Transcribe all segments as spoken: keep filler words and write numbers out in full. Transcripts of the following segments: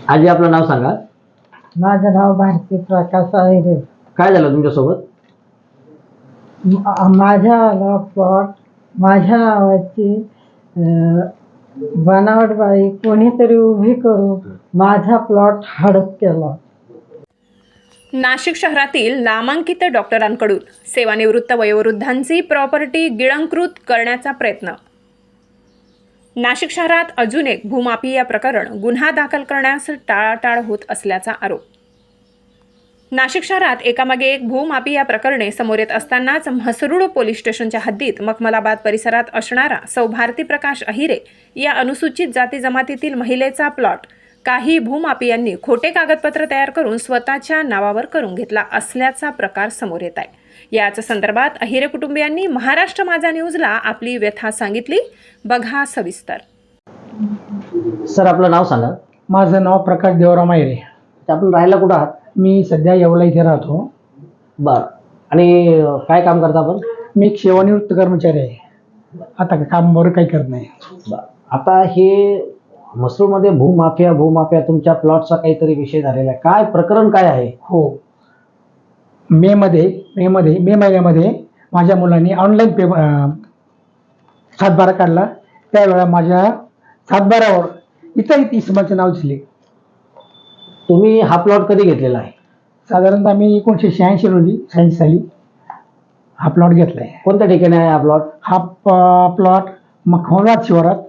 आजी आपलं नाव सांगा. माझं नाव भारती प्रकाश आहे. काय झालं तुमच्यासोबत? माझ्या प्लॉट माझ्या नावाची बनावट बाई कोणीतरी उभी करून माझा प्लॉट हडप केला. नाशिक शहरातील नामांकित डॉक्टरांकडून सेवानिवृत्त वयोवृद्धांची प्रॉपर्टी गिळंकृत करण्याचा प्रयत्न. नाशिक शहरात अजून एक भूमाफिया प्रकरण गुन्हा दाखल करण्यास टाळाटाळ होत असल्याचा आरोप. नाशिक शहरात एकामागे एक भूमाफिया प्रकरणे समोर येत असतानाच म्हसरूळ पोलीस स्टेशनच्या हद्दीत मखमलाबाद परिसरात असणारा सौ भारती प्रकाश अहिरे या अनुसूचित जाती जमातीतील महिलेचा प्लॉट काही भूमाफियांनी खोटे कागदपत्र तयार करून स्वतःच्या नावावर करून घेतला असल्याचा प्रकार समोर येत आहे. याच संदर्भात अहिरे कुटुंबियांनी महाराष्ट्र माझा न्यूजला आपली व्यथा सांगितली. बघा सविस्तर. सर आपलं नाव सांगा. माझं नाव प्रकाश देवराम अहिरे. आपण राहायला कुठं आहात? मी सध्या येवला इथे राहतो. बरं. आणि काय काम करता आपण? मी एक सेवानिवृत्त कर्मचारी आहे. आता काम बरं काही करत नाही. बरं. आता हे म्हसरूळमध्ये भूमाफिया भूमाफिया तुमच्या प्लॉटचा काहीतरी विषय झालेला आहे. काय प्रकरण काय आहे? हो, मे मध्ये मे मध्ये मे महिन्यामध्ये माझ्या मुलांनी ऑनलाईन पे सातबारा काढला. त्यावेळेला माझ्या सातबारावर इतर इसमाचे नाव दिसले. तुम्ही हा प्लॉट कधी घेतलेला आहे? साधारणतः मी एकोणीसशे शहाऐंशी रोजी शहाऐंशी साली हा प्लॉट घेतला आहे. कोणत्या ठिकाणी आहे हा प्लॉट? हा प्लॉट मखमलाबाद शिवारात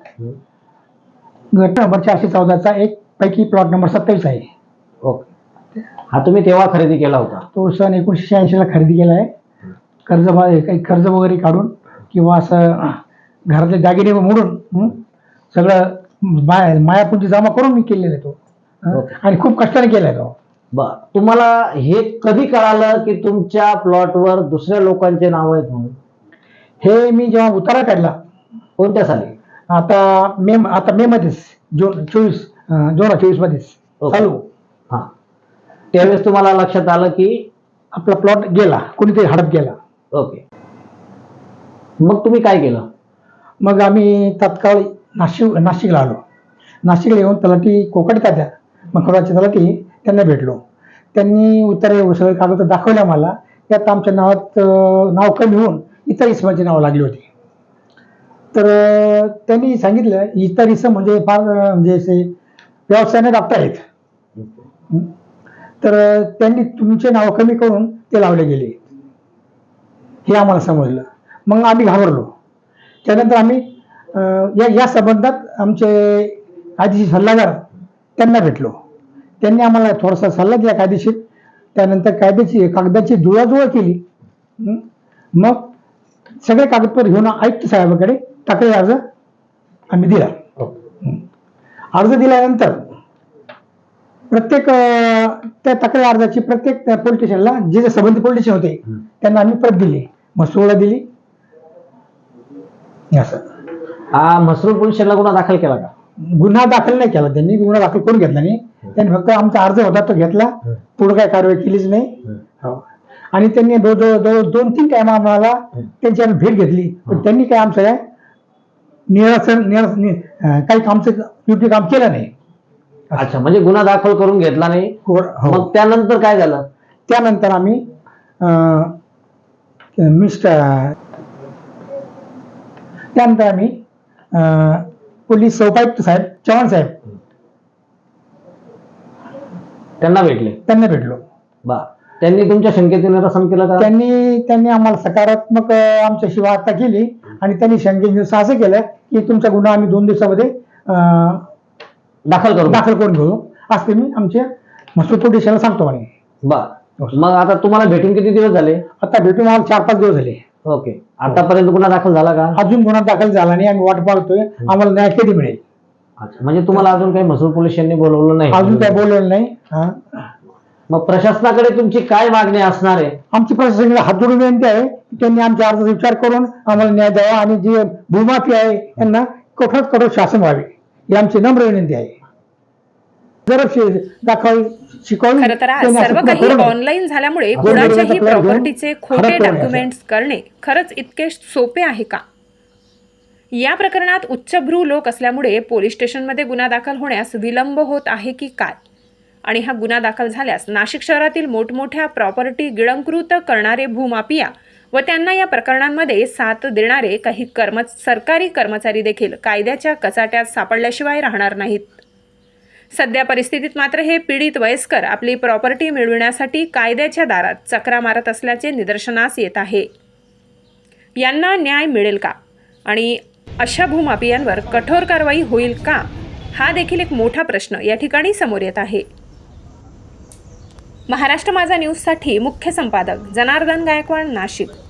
गट नंबर चारशे चौदाचा एक पैकी प्लॉट नंबर सत्तावीस आहे. ओके. हा तुम्ही तेव्हा खरेदी केला होता? तो सन एकोणीसशे शहाऐंशीला खरेदी केला आहे. कर्ज काही कर्ज वगैरे काढून किंवा असं घरातले दागिने मोडून सगळं माया मायापुंजी जमा करून मी केलेला आहे तो. आणि खूप कष्टाने केलाय तो. बर. तुम्हाला हे कधी कळालं की तुमच्या प्लॉटवर दुसऱ्या लोकांचे नाव आहेत म्हणून? हे मी जेव्हा उतारा काढला. कोणत्या साली? आता मे आता मे मध्येच जून चोवीस दोन हजार चोवीस मध्येच चालू. हा, त्यावेळेस तुम्हाला लक्षात आलं की आपला प्लॉट गेला, कोणीतरी हडप गेला. ओके. मग तुम्ही काय केलं? मग आम्ही तात्काळ नाशिक नाशिकला आलो. नाशिकला येऊन तलाठी कोकट तात्या मखमलाबादचे तलाठी त्यांना भेटलो. त्यांनी उत्तरे सगळे कागद दाखवल्या मला. त्यात आमच्या नावात नाव कमी होऊन इतर इसमाचे नाव लागली होती. तर त्यांनी सांगितलं इतर इसम म्हणजे फार म्हणजे असे व्यवसायाने डॉक्टर आहेत. तर त्यांनी तुमचे नाव कमी करून ते लावले गेले हे आम्हाला समजलं. मग आम्ही घाबरलो. त्यानंतर आम्ही या या संबंधात आमचे कायदेशीर सल्लागार त्यांना भेटलो. त्यांनी आम्हाला थोडासा सल्ला दिला कायदेशीर. त्यानंतर कायद्याची कागदाची जुळवाजुळव केली. मग सगळे कागदपत्र घेऊन आयुक्त साहेबाकडे तक्रारी अर्ज आम्ही दिला. अर्ज दिल्यानंतर प्रत्येक त्या तक्रारी अर्जाची प्रत्येक पोलीस स्टेशनला जे जे संबंधित पोलीस स्टेशन होते त्यांना आम्ही प्रत दिली. म्हसरूळला दिली. असं. हा, म्हसरूळ पोलीस स्टेशनला गुन्हा दाखल केला का? गुन्हा दाखल नाही केला त्यांनी. गुन्हा दाखल करून घेतला नाही त्यांनी. फक्त आमचा अर्ज होता तो घेतला. पुढे काय कारवाई केलीच नाही. आणि त्यांनी जवळ दोन तीन टाइम आम्हाला त्यांची आम्ही भेट घेतली. पण त्यांनी काय आमचं काय निरासन काही आमचं योग्य काम केलं नाही. अच्छा, म्हणजे गुन्हा दाखल करून घेतला नाही. मग त्यानंतर काय झालं? त्यानंतर आम्ही मिस्टर त्यानंतर आम्ही पोलीस उपायुक्त साहेब चव्हाण साहेब त्यांना भेटले त्यांना भेटलो. बा. त्यांनी तुमच्या शंकेचे निरसन केलं का? त्यांनी त्यांनी आम्हाला सकारात्मक आमच्याशी वार्ता केली आणि त्यांनी शंकेचे असं केलं की तुमचा गुन्हा आम्ही दोन दिवसामध्ये दाखल करू दाखल करून घेऊ असं मी आमच्या म्हसरूळ पोलीस स्टेशनला सांगतो म्हणे. बा. मग आता तुम्हाला भेटून किती दिवस झाले? आता भेटून मला चार पाच दिवस झाले. ओके. आतापर्यंत गुन्हा दाखल झाला का? अजून गुन्हा दाखल झाला नाही. आम्ही वाट पाहतोय आम्हाला न्याय कधी मिळेल. अच्छा, म्हणजे तुम्हाला अजून काही म्हसरूळ पोलीस स्टेशनने बोलवलं नाही? अजून काही बोलवलं नाही. मग प्रशासनाकडे तुमची काय मागणी असणार आहे? आमची प्रशासनाला हात जोडून विनंती आहे की त्यांनी आमच्या अर्जाचा विचार करून आम्हाला न्याय द्यावा आणि जे भूमाफी आहे त्यांना कठोर कठोर शासन व्हावे ही आमची नम्र विनंती आहे. जर दाखल शिकवून खरं तर आज सर्व काही ऑनलाईन झाल्यामुळे कुणाच्याही प्रॉपर्टीचे खोटे डॉक्युमेंट्स करणे खरंच इतके सोपे आहे का? या प्रकरणात उच्चभ्रू लोक असल्यामुळे पोलीस स्टेशनमध्ये गुन्हा दाखल होण्यास विलंब होत आहे की काय? आणि हा गुन्हा दाखल झाल्यास नाशिक शहरातील मोठमोठ्या प्रॉपर्टी गिळंकृत करणारे भूमाफिया व त्यांना या प्रकरणांमध्ये साथ देणारे काही कर्म सरकारी कर्मचारी देखील कायद्याच्या कचाट्यात सापडल्याशिवाय राहणार नाहीत. सध्या परिस्थितीत मात्र हे पीडित वयस्कर आपली प्रॉपर्टी मिळविण्यासाठी कायद्याच्या दारात चकरा मारत असल्याचे निदर्शनास येत आहे. यांना न्याय मिळेल का आणि अशा भूमाफियांवर कठोर कारवाई होईल का, हा देखील एक मोठा प्रश्न या ठिकाणी समोर येत आहे. महाराष्ट्र माझा न्यूजसाठी मुख्य संपादक जनार्दन गायकवाड, नाशिक.